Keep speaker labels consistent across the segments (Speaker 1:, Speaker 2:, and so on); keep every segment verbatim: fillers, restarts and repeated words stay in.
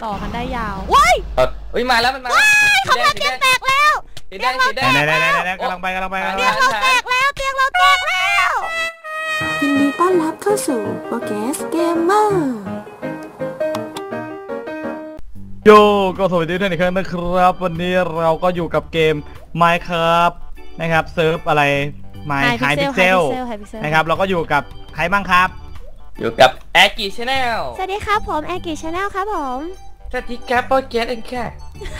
Speaker 1: ต่อกันได้ยาวว้าย
Speaker 2: เฮ้ยมาแล้วมันมา
Speaker 1: ของเราเตียงแตกแล้ว
Speaker 2: สีแดงสีแดง
Speaker 3: ได้ได้ได้กำลังไปกำลังไป
Speaker 1: เตียงเราแตกแล้วเตียงเราแตกแล้ว
Speaker 4: ยินดีต้อนรับเข้าสู่โปรแกรสเกมเมอร์
Speaker 3: โยก็สวัสดีทุกท่านอีกครั้งนะครับวันนี้เราก็อยู่กับเกม Minecraft นะครับเซิร์ฟอะไร
Speaker 1: My
Speaker 3: High Pixel นะครับเราก็อยู่กับใครบ้างครับ
Speaker 2: อยู่กับแอคกี้ชาแนล
Speaker 1: สวัสดีครับผมแอคกี้ชาแนลครับผม
Speaker 2: สวัสดีครับโปรเกสเองแค่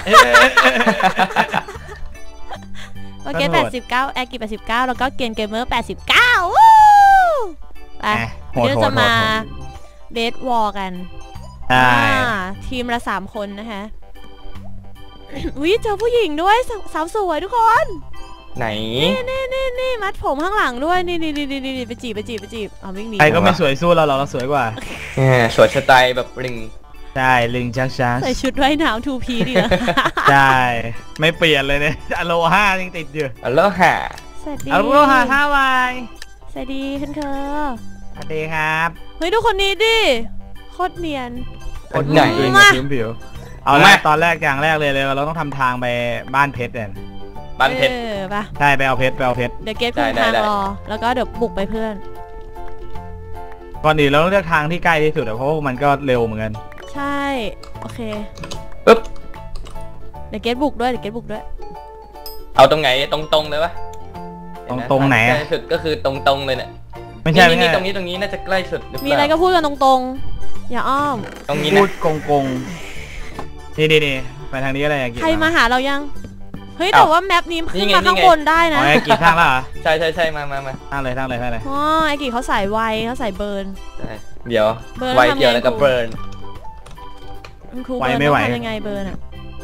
Speaker 1: โปรเกสแปดสิบเก้าแอคกี้แปดสิบเก้าแล้วก็เกมเกมเมอร์แปดสิบเก้าไปเดี๋ยวจะมาเบสวอลกันทีมละสามคนนะคะวิเจอผู้หญิงด้วยสาวสวยทุกคน
Speaker 2: ไหน
Speaker 1: นี่นี่นี่มัดผมข้างหลังด้วยนี่นี่นี่นี่ไปจีบไปจีบไปจีบเอาวิ่งหนี
Speaker 3: ใครก็ไม่สวยสู้เราเราสวยกว่า
Speaker 2: สวยสไตล์แบบลิง
Speaker 3: ใช่ลิงชักชัก
Speaker 1: ใส่ชุดว่ายน้ำทูพีดีนะ
Speaker 3: ใช่ไม่เปลี่ยนเลยเนี่ยอโลฮายังติดอยู่
Speaker 2: อโลฮา
Speaker 1: สวัสดี
Speaker 3: อโลฮาท่าวาย
Speaker 1: สวัสดีคุณเธอ
Speaker 3: สวัสดีครับ
Speaker 1: เฮ้ยดูคนนี้ดิโคตรเนียน
Speaker 3: คนไหนเองผิวผิวเอาละตอนแรกอย่างแรกเลยเลยเราต้องทำทางไปบ้านเพชรเนี่ย
Speaker 2: บ้านเพชร
Speaker 1: ป่ะ
Speaker 3: ใช่ไปเอาเพชรไปเอาเพชร
Speaker 1: เดี๋ยวเกตคุมทางรอแล้วก็เดี๋ยวบุกไปเพื่อน
Speaker 3: ก่อนอื่นเราต้องเลือกทางที่ใกล้ที่สุดเพราะว่ามันก็เร็วเหมือนกัน
Speaker 1: ใช่โอเค
Speaker 2: ปึ๊บ
Speaker 1: เดี๋ยวเกตบุกด้วยเดี๋ยวเกตบุกด้วย
Speaker 2: เอาตรงไหนตรงๆเลยวะ
Speaker 3: ตรงตรงไหน
Speaker 2: ใกล้สุดก็คือตรงๆเลยเนี่ย
Speaker 3: ไม่ใช่ไม่ใช่
Speaker 2: ตรงนี้ตรงนี้น่าจะใกล้สุด
Speaker 1: มีอะไรก็พูดกันตรงๆอย่าอ้อม
Speaker 2: ตรงนี้
Speaker 3: พูดกงกงนี่นี่นี่ไปทางนี้อะไรอย่าง
Speaker 1: งี้ใครมาหาเรายังเฮ้ยแต่ว่าแมปนี้ขึ้นมาข้างบนได้นะ
Speaker 3: ไอ้กี่ทางแล้วเหรอ
Speaker 2: ใช่ใช่ใช่มามามา
Speaker 3: ทางเลยทางเลยทางเลย
Speaker 1: อ๋อไอ้กี่เขาใส่ไวเขาใส่เบิร์น
Speaker 2: เดี๋ยวไวเกี่ยวแล้วกับเบิร์น
Speaker 1: ไวไม่ไหวทำยังไงเบิร์นอ่ะ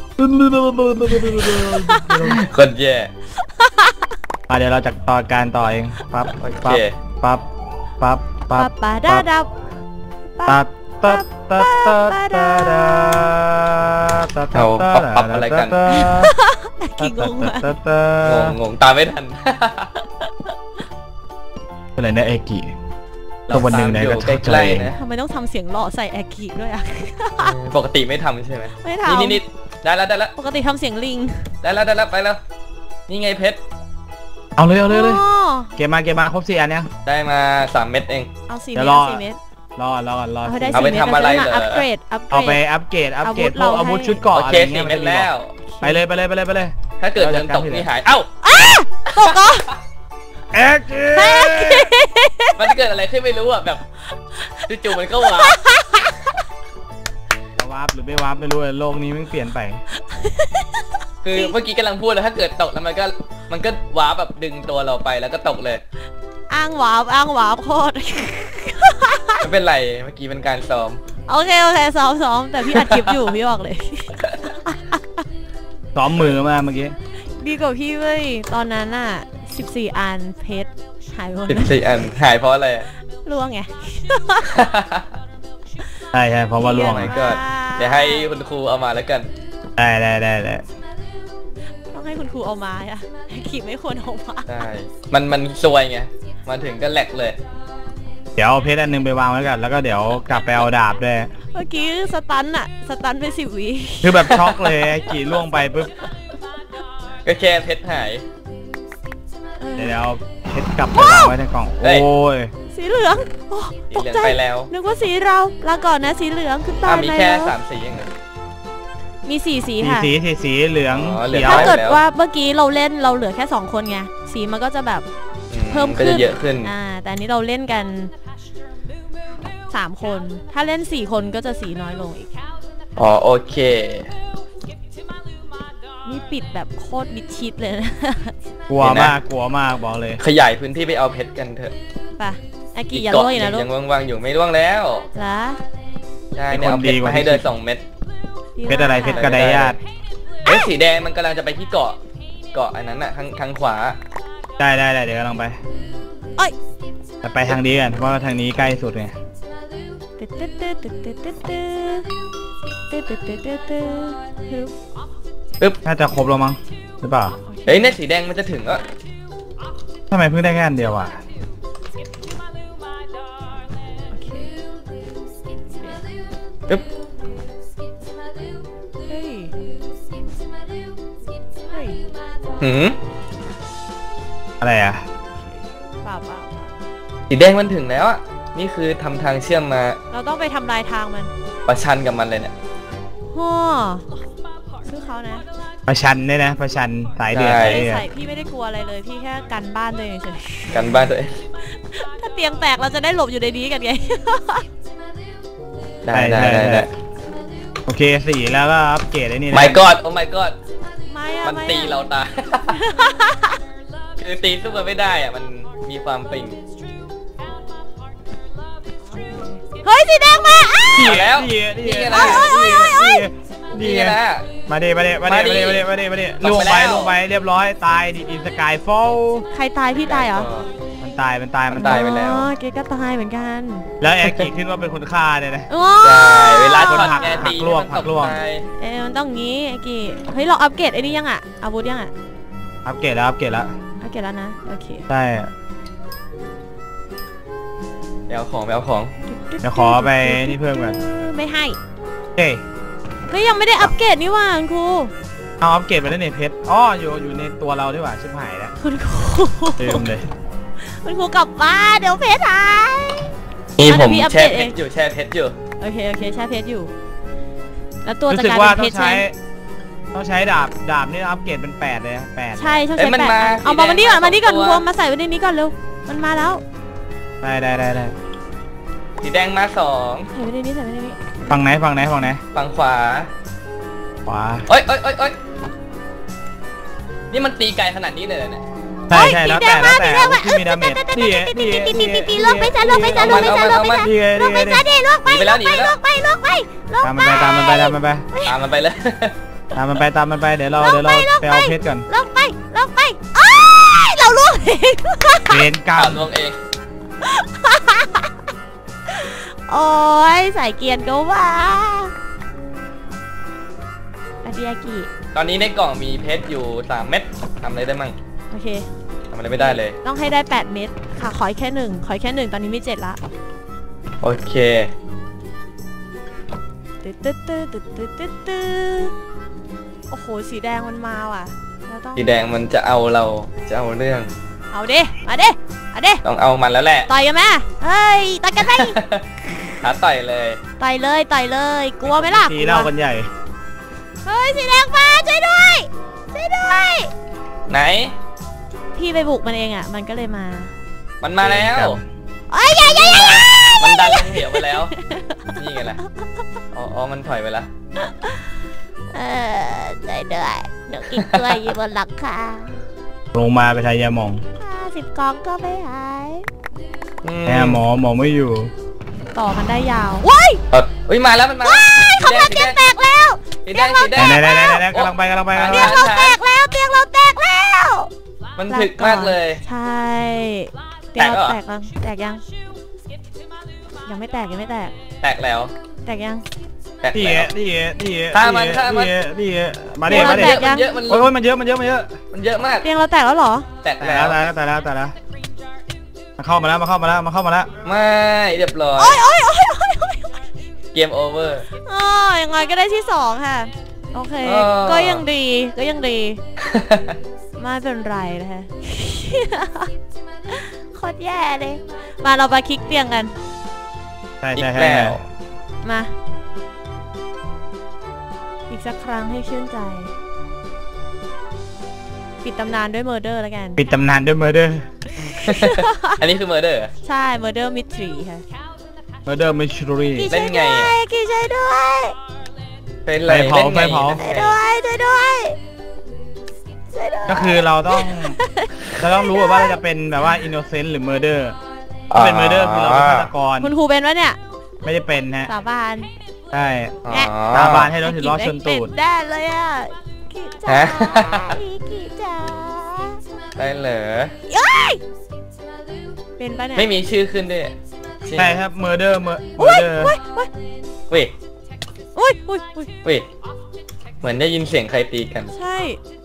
Speaker 2: คนแย่
Speaker 3: อ่ะเดี๋ยวเราจะต่อการต่อเองปั๊บปั๊บปั๊บปั๊บปั๊บ
Speaker 1: ปั๊บดับดับ
Speaker 3: ปั๊บปั๊บปั๊บปั๊บปั๊บ
Speaker 2: ปั๊บเอาปั๊บอะไรกัน
Speaker 1: กี่งงอะ
Speaker 2: งงงงตามไม่ทัน
Speaker 3: อะไรนะเอกิตัววันหนึ่งไหนก็
Speaker 2: ใกล้ๆนะ
Speaker 1: ทำไมต้องทำเสียงหล่อใส่แอกิด้วยอ่ะ
Speaker 2: ปกติไม่ทำใช่ไหม
Speaker 1: ไม่ทำ
Speaker 2: นี่นี่ได้แล้วได้แล้ว
Speaker 1: ปกติทำเสียงลิง
Speaker 2: ได้แล้วได้แล้วไปแล้วนี่ไงเพชร
Speaker 3: เอาเลยเอาเลยเลยเก็บมาเก็บมาครบสี่อันยัง
Speaker 2: ได้มาสามเม็ดเอง
Speaker 1: เอาสี่เม็ดสี่เม็ด
Speaker 3: รอรอรอ
Speaker 2: เอาไปทำอะไรเหรอ
Speaker 1: อัปเกรด
Speaker 3: เอาไปอัปเกรดอัปเกรดพวกอาวุธชุดเกราะอะไรเงี้ย
Speaker 2: เม็ดแล้ว
Speaker 3: ไปเลยไปเลยไปเลยไปเลย
Speaker 2: ถ้าเกิดเดินตกนี่หายเอ้า
Speaker 1: ตกเหรอ
Speaker 3: แอ๊ก
Speaker 2: มันเกิดอะไรขึ้นไม่รู้อ่ะแบบจู่ๆมันก็วาร์
Speaker 3: ปวาร์ปหรือไม่วาร์ปไม่รู้เลยโลกนี้มันเปลี่ยนไป
Speaker 2: คือเมื่อกี้กำลังพูดเลยถ้าเกิดตกแล้วมันก็มันก็วาร์ปแบบดึงตัวเราไปแล้วก็ตกเลย
Speaker 1: อ้างวาร์ปอ้างวาร์ปโคตร
Speaker 2: ไม่เป็นไรเมื่อกี้เป็นการซ้อม
Speaker 1: โอเคโอเคซ้อมซ้อมแต่พี่อัดคลิปอยู่พี่บอกเลย
Speaker 3: ซ้อมมือมาเมื่อกี้
Speaker 1: ดีกว่าพี่เว้ยตอนนั้นอ่ะสิบสี่อันเพชรหายหมด
Speaker 2: สิบสี่อันหายเพราะอะไร
Speaker 1: ล่วงไง
Speaker 3: ใช่ใช่เพราะว่าล่วงไง
Speaker 2: ก็เดี๋ยวให้คุณครูเอามาแล้วกัน
Speaker 3: ได้ได้ได้ได้
Speaker 1: ต้องให้คุณครูเอามาอ่ะขี่ไม่ควรเอามา
Speaker 2: ใช่มันมันซวยไงมาถึงก็แหลกเลย
Speaker 3: เดี๋ยวเอาเพชรอันนึงไปวางไว้กันแล้วก็เดี๋ยวกลับไปเอาดาบด้วย
Speaker 1: เมื่อกี้สตันอะสตันไปสิบวิ
Speaker 3: คือแบบช็อกเลยกี่ล่วงไปปุ๊บ
Speaker 2: ก็แค่เพชรหาย
Speaker 3: เดี๋ยวเพชรกลับไปวางไว้ในกล่องโอ้ย
Speaker 1: สีเหลืองตกใจนึกว่าสีเราลาก่อนนะสีเหลืองคือตาย
Speaker 2: มีแค่สามสีเอง
Speaker 1: มีสี่สีค่ะ
Speaker 3: สีสีสีเหลือง
Speaker 1: ถ้าเกิดว่าเมื่อกี้เราเล่นเราเหลือแค่สองคนไงสีมันก็จะแบบเพิ่มขึ้น
Speaker 2: เยอะขึ้น
Speaker 1: อ่าแต่อันนี้เราเล่นกันสามคนถ้าเล่นสี่คนก็จะสีน้อยลงอีก
Speaker 2: อ๋อโอเค
Speaker 1: นี่ปิดแบบโคตรมิดชิดเลยนะ
Speaker 3: กลัวมากกลัวมากบอกเลย
Speaker 2: ขยายพื้นที่ไปเอาเพชรกันเถอะ
Speaker 1: ป่ะอากิอย่าล่วงนะลูก
Speaker 2: ยังว่างๆอยู่ไม่ล่วงแล้ว
Speaker 1: เหรอ
Speaker 2: ใช่เนี่ยเอาเพชรมาให้เดินสองเม็ด
Speaker 3: เพชรอะไรเพชรกระไดญาติ
Speaker 2: เฮ้ยสีแดงมันกำลังจะไปที่เกาะเกาะอันนั้นน่ะทางทางขวา
Speaker 3: ได้ได้ได้เดี๋ยวกำลังไป
Speaker 1: เอ้ย
Speaker 3: แต่ไปทางนี้กันเพราะว่าทางนี้ใกล้สุดไง
Speaker 2: ปึ๊บ
Speaker 3: น่าจะครบแล้วมั้งหรือเปล่า
Speaker 2: เฮ้ยเนี่ยสีแดงมันจะถึงอ่ะ
Speaker 3: ทำไมเพิ่งได้แค่อันเดียวอ่ะ
Speaker 2: ปึ๊บหืม
Speaker 3: อะไรอ่ะ
Speaker 1: เปล่าเปล่า
Speaker 2: สีแดงมันถึงแล้วอ่ะนี่คือทำทางเชื่อมมา
Speaker 1: เราต้องไปทำลายทางมัน
Speaker 2: ประชันกับมันเลยเนี่ย
Speaker 1: ฮ่อซื้อเขานะ
Speaker 3: ประชันเนี่ยนะประชันสายเดือด
Speaker 1: ใส่พี่ไม่ได้กลัวอะไรเลยพี่แค่กันบ้านตัวเองเฉย
Speaker 2: กันบ้านตัวเอง
Speaker 1: ถ้าเตียงแตกเราจะได้หลบอยู่ในนี้กันไง
Speaker 2: ได้ได้ได้
Speaker 3: โอเคสี่แล้วก็อัปเกรดไอ้นี่
Speaker 2: ไม่กอดโอ้ไม่กอด
Speaker 1: มั
Speaker 2: นตีเราตายคือตีสู้กันไม่ได้อ่ะมันมีความปิง
Speaker 1: เฮ้ยสีแดงมา
Speaker 2: ดีแล้ว
Speaker 3: ดี
Speaker 2: แล้
Speaker 3: ว
Speaker 2: ดีแล้ว
Speaker 3: มาเดมาเดมาเดมาเดมาเดมาเดมาเดลงไปลงไปเรียบร้อยตายดินสกายฟอล
Speaker 1: ใครตายพี่ตายเหรอ
Speaker 3: มันตายมันตาย
Speaker 2: มันตายไปแล้ว
Speaker 1: อ๋อเกก็ตายเหมือนกัน
Speaker 3: แล้วแอคกี้ขึ้นว่าเป็นคนฆ่าเนี่ยนะ
Speaker 2: ใช่เวลาคน
Speaker 3: หักหักลวกหักลวก
Speaker 1: เอ้มันต้องงี้แอคกี้เฮ้ยเราอัปเกรดไอ้นี่ยังอ่ะอาวุธยังอ่ะ
Speaker 3: อัปเกรดแล้วอัปเกรดแล้ว
Speaker 1: อัปเกรดแล้วนะโอเค
Speaker 3: ใช่
Speaker 2: ไปเอาของไปเอาของ
Speaker 3: เดี๋ยวขอไปนี่เพิ่มกัน
Speaker 1: ไม่ให้
Speaker 3: เฮ้ย
Speaker 1: เฮ้ยยังไม่ได้อัปเกรดนี่ว่าครู
Speaker 3: เอาอัปเกรดไปแล้วเนี่ยเพชรอ๋ออยู่อยู่ในตัวเราด้วยว่ะชิบหายแล้ว
Speaker 1: คุณครู
Speaker 3: เต็มเลย
Speaker 1: คุณครูกลับบ้านเดี๋ยวเพชรหาย
Speaker 2: นี่ผมแช่เพชรอยู่แช่เพชรอยู่
Speaker 1: โอเคโอเคแช่เพชรอยู่แล้วตัวจะ
Speaker 3: กลายเป็นเพชรใช่ต้องใช้ดาบดาบนี่อัปเกรดเป็นแปดเลยแปด
Speaker 1: ใช่ต้องใช้แปดเอามาวันนี้ก่อนมานี่ก่อนรวมมาใส่ไว้ในนี้ก่อนเร็วมันมาแล้ว
Speaker 3: ได้ได้ได้ได้
Speaker 2: สีแดงมาสอง
Speaker 1: ใส่ไว้ในนี้ใส่ไว้ในนี้
Speaker 3: ฝั่งไหนฝั่งไหนฝั่งไหน
Speaker 2: ฝั่งขวา
Speaker 3: ขวา
Speaker 2: เอ้ยเอ้ยเอ้ยเอ้ยนี่มันตีไกลขนาดนี้เลยเนี่ย
Speaker 3: ใช่ใช่แล้วแต่แล้วแต่ที่มีดาเมจตีตีตีตีตี
Speaker 1: ตีลงไปจ้าลงไปจ้าลงไปจ้าลงไปจ้าลงไปจ้าดิลงไปลงไปลงไปลงไปลงไป
Speaker 3: ตามมันไปตามมันไป
Speaker 2: ตามมันไปเลย
Speaker 3: ตามมันไปตามมันไปเดี๋ยวเราเดี๋ยวเราไปเอาเพชรก่อน
Speaker 1: ลงไปลงไปเราล่วงเอง
Speaker 3: เล่นกล้าม
Speaker 2: ล่วงเอง
Speaker 1: โอ้ยสายเกียร์ก็ว่าอาดิยากิ
Speaker 2: ตอนนี้ในกล่องมีเพชรอยู่สามเม็ดทำอะไรได้มั่ง
Speaker 1: โอเค
Speaker 2: ทำอะไรไม่ได้เลย
Speaker 1: ต้องให้ได้แปดเม็ดค่ะขอแค่หนึ่งขอแค่หนึ่งตอนนี้มีเจ็ดละ
Speaker 2: โอเค
Speaker 1: ตึ๊ดตึ๊ดตึ๊ดตึ๊ดตึ๊ดตึ๊ดตึ๊ดโอ้โหสีแดงมันมาว่ะ
Speaker 2: สีแดงมันจะเอาเราจะเอาเรื่อง
Speaker 1: เอาดิมาดิเอาดิ
Speaker 2: ต้องเอามันแล้วแหละ
Speaker 1: ต่อยกันไหมเฮ้ยต่อยกันไหม
Speaker 2: หาต่อยเลย
Speaker 1: ต่อยเลยต่อยเลยกลัวไหมล่ะ
Speaker 3: ตีเล่ากันใหญ่
Speaker 1: เฮ้ยสีแดงมาช่วยด้วยช่วยด้วย
Speaker 2: ไหน
Speaker 1: พี่ไปบุกมันเองอ่ะมันก็เลยมา
Speaker 2: มันมาแล้ว
Speaker 1: เอ้ยอย่าอย่าอย่า
Speaker 2: มันดันลงเหวไปแล้วนี่ไงล่ะอ๋อมันถอยไปแล้ว
Speaker 1: เออช่วยด้วยหนูกินกล้วยอยู่บนหลังคา
Speaker 3: ลงมาไปทายยาหมอง
Speaker 1: ห้าสิบกองก็ไม่หาย
Speaker 3: แหมหมอหมอไม่อยู่
Speaker 1: ต่อกันได้ยาวว้าย
Speaker 2: เอ้ยมาแล้วมันมา
Speaker 1: เขาเตียงแตกแล้ว
Speaker 2: เตียงเราแตก
Speaker 3: กำลังไปกำลังไป
Speaker 1: เตียงเราแตกแล้วเตียงเราแตกแล้ว
Speaker 2: มันถึกมากเลย
Speaker 1: ใช่เตียงเราแตกแล้วแตกยังยังไม่แตกยังไม่แตก
Speaker 2: แตกแล้ว
Speaker 1: แตกยัง
Speaker 3: นี่นี่นี่
Speaker 2: ฆ่ามันฆ่ามัน
Speaker 3: นี่มาดิมาดิ
Speaker 2: เยอะมัน
Speaker 3: โอ้ยมันเยอะมันเยอะมันเยอะ
Speaker 2: มันเยอะมาก
Speaker 1: เตียงเราแตกแล้วเหรอ
Speaker 2: แตกแล้ว
Speaker 3: แตกแล้วแตกแล้วแตกแล้วมาเข้ามาแล้วมาเข้ามาแล้วมาเข้ามาแล้ว
Speaker 2: ไม่เรียบร้อย
Speaker 1: โอ้ยโอ้ยโอ้ยโอ้ย
Speaker 2: เกมโอเวอร์
Speaker 1: อ๋อยังไงก็ได้ที่สองค่ะโอเคก็ยังดีก็ยังดีไม่เป็นไรนะคะโคตรแย่เลยมาเราไปคลิกเตียงกัน
Speaker 3: ใช่ใช่ใช่
Speaker 1: มาอีกสักครั้งให้ชื่นใจปิดตำนานด้วยเมอร์เดอร์แล้วกัน
Speaker 3: ปิดตำนานด้วยเมอร์เดอร์
Speaker 2: อันนี้คือเมอร์เดอร์
Speaker 1: ใช่เมอร์เดอร์มิสทรีค่ะ
Speaker 3: เมอร์เดอร์มิสทรี
Speaker 2: เล่นไง
Speaker 1: กี่ใช่ด้วย
Speaker 2: เป็นไร
Speaker 3: เผาไฟเผา
Speaker 1: ด้วยด้วยด้วย
Speaker 3: ก็คือเราต้องเราต้องรู้ว่าเราจะเป็นแบบว่าอินโนเซนต์หรือเมอร์เดอร์ถ้าเป็นเมอร์เดอร์คือเราเป็นฆาตกร
Speaker 1: คุณครูเป็นวะเนี่ย
Speaker 3: ไม่ได้เป็นฮะ
Speaker 1: สาบาน
Speaker 3: ใช่สาบานให้เราถือล้อชนตูด
Speaker 1: ได้เลยอ่ะกี่จ้ากี่จ้า
Speaker 2: ได้เหรอ
Speaker 1: เป็นปะเนี่ย
Speaker 2: ไม่มีชื่อขึ้นด้วย
Speaker 3: ใช่ครับเมอร์เดอร์เมอร์เดอร์
Speaker 2: เว้ย
Speaker 1: อุ้ยอุ้ยอุ้ย
Speaker 2: เว้ยเหมือนได้ยินเสียงใครตีกัน
Speaker 1: ใช่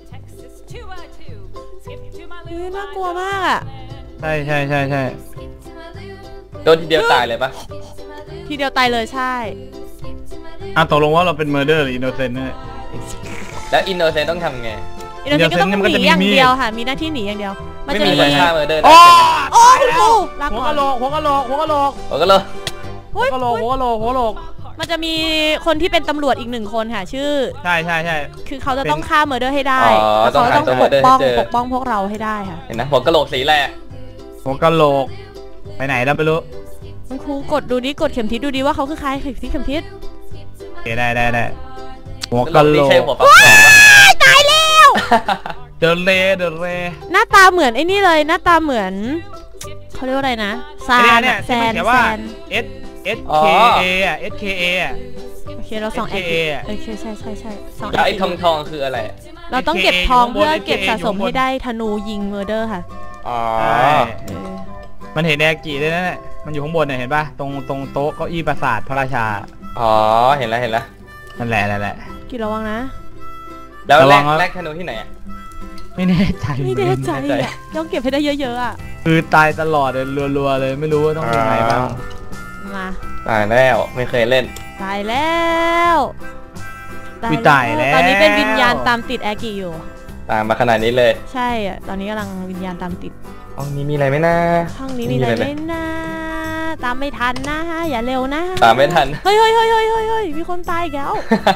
Speaker 1: เฮ้ยน่ากลัวมากอ่ะ
Speaker 3: ใช่ใช่ใช่ใช่
Speaker 2: โดนทีเดียวตายเลยปะ
Speaker 1: ทีเดียวตายเลยใช่
Speaker 3: อ่ะตกลงว่าเราเป็นเมอร์เดอร์หรืออินโนเซนต์เนี่ย
Speaker 2: แล้วอินโนเซนต์ต้องทำไง
Speaker 1: อินโนเซนต์ก็ต้องหนีอย่างเดียวค่ะมีหน้าที่หนีอย่างเดียวมันจะมี
Speaker 2: ไม่มีใครฆ่าเมอร์เดอร์ได้
Speaker 3: โอ้
Speaker 1: โอ้คุณครูลา
Speaker 3: หัว
Speaker 1: ก่อก
Speaker 3: ะ
Speaker 1: น
Speaker 3: โหลกหัวกะโหลกหัวกะโหลก
Speaker 2: โอ้ก็เลย
Speaker 3: หัวกะโหลกหัวกะโหลกหัวกะโหลก
Speaker 1: มันจะมีคนที่เป็นตำรวจอีกหนึ่งคนค่ะชื่อ
Speaker 3: ใช่ใช่ใช่
Speaker 1: คือเขาจะต้องฆ่าเมอร์เดอร์ให้ได้
Speaker 2: ต้
Speaker 1: เขา
Speaker 2: อง
Speaker 1: ต้องปกป้องปกป้องพวกเราให้ได้ค่ะ
Speaker 2: เห็นนะหัวกะโหลกสีแรก
Speaker 3: หัวกะโหลกไปไหนแล้วไม่รู้
Speaker 1: คุณครูกดดูดิกดเข็มทิศดูดิว่าเขาคือใครเข็มทิศเข็มทิศ
Speaker 3: โอเคได้ได้ได้หัวกะโหลก
Speaker 1: ตายแล้ว
Speaker 3: เดินเล่เดินเล่
Speaker 1: หน้าตาเหมือนไอ้นี่เลยหน้าตาเหมือนเขาเรียกว่าอะไรนะซานแซนแซน
Speaker 3: S S K A อ่ะ S K A อ่ะ
Speaker 1: โอเคเราส่อง S K A อ่ะโอเคใช่ใช่ใช่
Speaker 2: ส่องไอ้ทองทองคืออะไร
Speaker 1: เราต้องเก็บทองเพื่อเก็บสะสมให้ได้ธนูยิงเมอร์เดอร์ค่ะ
Speaker 2: อ๋อ
Speaker 3: มันเห็นแอกิด้วยนะมันอยู่ข้างบนเนี่ยเห็นป่ะตรงตรงโต๊ะเก้าอี้ปราสาทพระราชา
Speaker 2: อ๋อเห็นแล้วเห็นแล้ว
Speaker 3: นั่นแหละนั่นแหละ
Speaker 1: กี่ระวังนะ
Speaker 2: แล้วแรกแรกธนูที่ไหนอ่ะ
Speaker 3: ไม่แน่ใจ
Speaker 1: ไม่แน่ใจอ่ะต้องเก็บให้ได้เยอะๆอ่ะ
Speaker 3: คือตายตลอดเลยรัวๆเลยไม่รู้ว่าต้องยังไงบ้าง
Speaker 1: มา
Speaker 2: ตายแล้วไม่เคยเล่น
Speaker 1: ตายแล้ว
Speaker 3: ตายแล้ว
Speaker 1: ตอนนี้เป็นวิญญาณตามติดแอกิอยู่
Speaker 2: ตามมาขนาดนี้เลย
Speaker 1: ใช่อ่ะตอนนี้กำลังวิญญาณตามติด
Speaker 2: ห้องนี้มีอะไรไหมนะ
Speaker 1: ห้องนี้มีอะไรไหมนะตามไม่ทันนะฮะอย่าเร็วนะ
Speaker 2: ตามไม่ทัน
Speaker 1: เฮ้ยเฮ้ยเฮ้ยเฮ้ยเฮ้ยมีคนตายแล้ว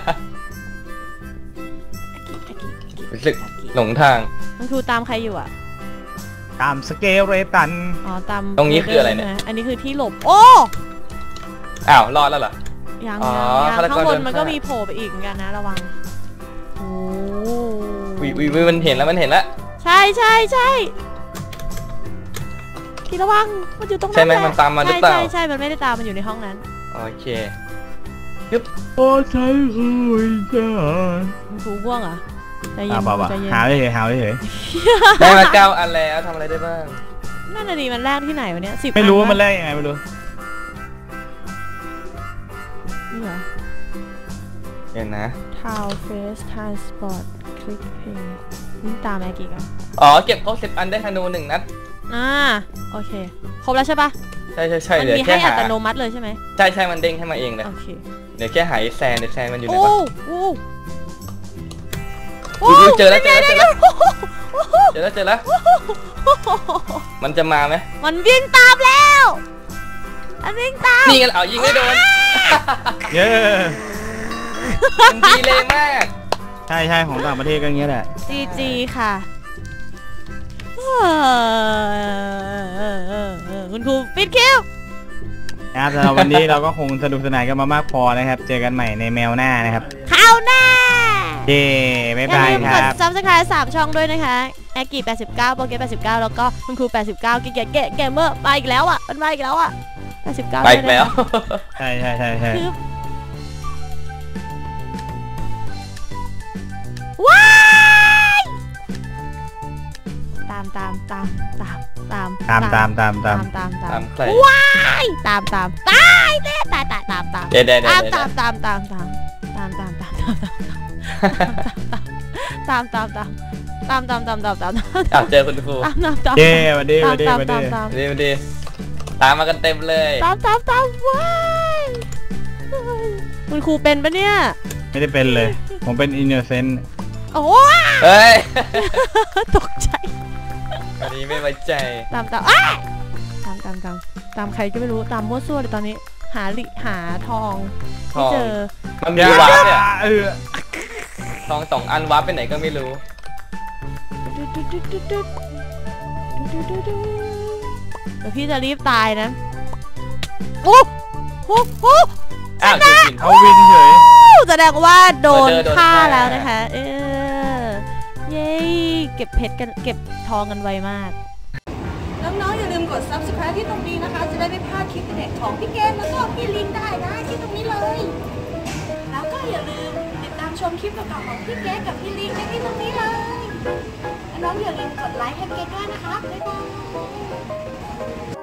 Speaker 2: รู้สึกหลงทาง
Speaker 1: มันคือตามใครอยู่อ่ะ
Speaker 3: ตามสเกลเรตัน
Speaker 1: อ๋อตาม
Speaker 2: ตรงนี้คืออะไรเนี่ย
Speaker 1: อันนี้คือที่หลบโอ้
Speaker 2: อ้าวรอดแล้วเหรอ
Speaker 1: ยังยังข้างบนมันก็มีโผล่ไปอีกเหมือนกันนะระวังโอ้
Speaker 2: วิววิวมันเห็นแล้วมันเห็นแล้ว
Speaker 1: ใช่ใช่ใช่ที่ระวังมันอยู่ตรงนั้น
Speaker 2: ใช่ไหมมันตามมาหรือเปล่า
Speaker 1: ใช่ใช่มันไม่ได้ตามมันอยู่ในห้องนั้น
Speaker 2: โอเคยึบ
Speaker 3: โอ้ใช่คือจ้า
Speaker 1: มันถูง่วงอ่ะใจเย็น
Speaker 3: ใจเย็นหาเฉยหาเฉย
Speaker 2: ได้มาเก้าอันแล้วทำอะไรได้บ้าง
Speaker 1: นั่นน่ะดิมันแรกที่ไหนวะเนี้ยสิบ
Speaker 3: ไม่รู้ว่ามันแรกยังไงไม่รู้
Speaker 1: นี่เหรอ
Speaker 2: เห็นนะ
Speaker 1: Town Face Transport Click Pay นี่ตามแอกิกัน
Speaker 2: อ๋อเก็บครบสิบอันได้ธนูหนึ่งนัด
Speaker 1: อ่าโอเคครบแล้วใช่ปะ
Speaker 2: ใช่ใช่ใช่
Speaker 1: เดี๋ยวแค่หาอัตโนมัติเลยใช่ไหม
Speaker 2: ใช่ใช่มันเด้งให้มาเองเลย
Speaker 1: โอเค
Speaker 2: เดี๋ยวแค่หายแซนเดี๋ยวแซนมันอยู่ไหน
Speaker 1: วะ
Speaker 2: โอ้เจอแล้วเจอแล้วเจอแล้วเจอแล้วเจอแล้วมันจะมาไหม
Speaker 1: มันวิ่งตามแล้วมันวิ่งตาม
Speaker 2: นี่กันเอายิงไม่โดน
Speaker 3: เย้
Speaker 2: มันดีเลยมาก
Speaker 3: ใช่ใช่ของต่างประเทศก็อย่างเงี้ยแหละ
Speaker 1: จีจีค่ะคุณครูปิดคิว
Speaker 3: นะครับสำหรับวันนี้เราก็คงสนุกสนานกันมามากพอนะครับเจอกันใหม่ในแมวหน้านะครับ
Speaker 1: ข้าวหน้า
Speaker 3: เย้บ๊ายบายครับ
Speaker 1: อย่าลืมกด ซับสไครบ์ สามช่องด้วยนะคะแอคกี้แปดสิบเก้าโปรเกตแปดสิบเก้าแล้วก็คุณครูแปดสิบเก้ากิ๊กเก๋เกมเมอร์มาอีกแล้วอ่ะมันมาอีกแล้วอ่ะแปดสิบเก้า
Speaker 2: ไปอีกแล้ว
Speaker 3: ใช่ใช่ใช่ใช่
Speaker 1: ว้ายตามตามตามตามตาม
Speaker 3: ตามตามตามตาม
Speaker 1: ตามตามว้ายตามตามตายเต้ตายตายตามตาม
Speaker 2: เดี๋ยวเดี๋ยว
Speaker 1: ตามตามตามตามตามตามตามตามตามตามตามตามตามตามตามตาม
Speaker 2: ตามเจอคุณครู
Speaker 1: ตามตามตาม
Speaker 3: เย้วันดีวันดีวันดี
Speaker 2: วันดีตามมากันเต็มเลย
Speaker 1: ตามตามตามว้ายคุณครูเป็นปะเนี่ย
Speaker 3: ไม่ได้เป็นเลยผมเป็นอินโนเซนต์
Speaker 1: โอ้
Speaker 2: เฮ้ย
Speaker 1: ตกใจ
Speaker 2: อันนี้ไม่ไว้ใจ
Speaker 1: ตามตามตามตามตามตามใครก็ไม่รู้ตามมั่วซั่วเลยตอนนี้หาลิหาทองไม่เจอ
Speaker 2: มันมีวาร์ปเนี่ยทองสองอันวาร์ปไปไหนก็ไม่รู้
Speaker 1: เดี๋ยวพี่จะรีบตายนะโอ้โหโอ้
Speaker 2: อ้าว
Speaker 3: เขาวินเฉย
Speaker 1: แสดงว่าโดนฆ่าแล้วนะคะเออเย้เก็บเพชรกันเก็บทองกันไวมากน้องๆอย่าลืมกด ซับสไครบ์ ที่ตรงนี้นะคะจะได้ไม่พลาดคลิปเด็ดของพี่เกมแล้วก็พี่ลิงได้นะที่ตรงนี้เลยแล้วก็อย่าลืมติดตามชมคลิปต่อๆของพี่เกมกับพี่ลิงได้ที่ตรงนี้เลยน้องๆอย่าลืมกดไลค์ให้เกมด้วยนะคะบ๊ายบาย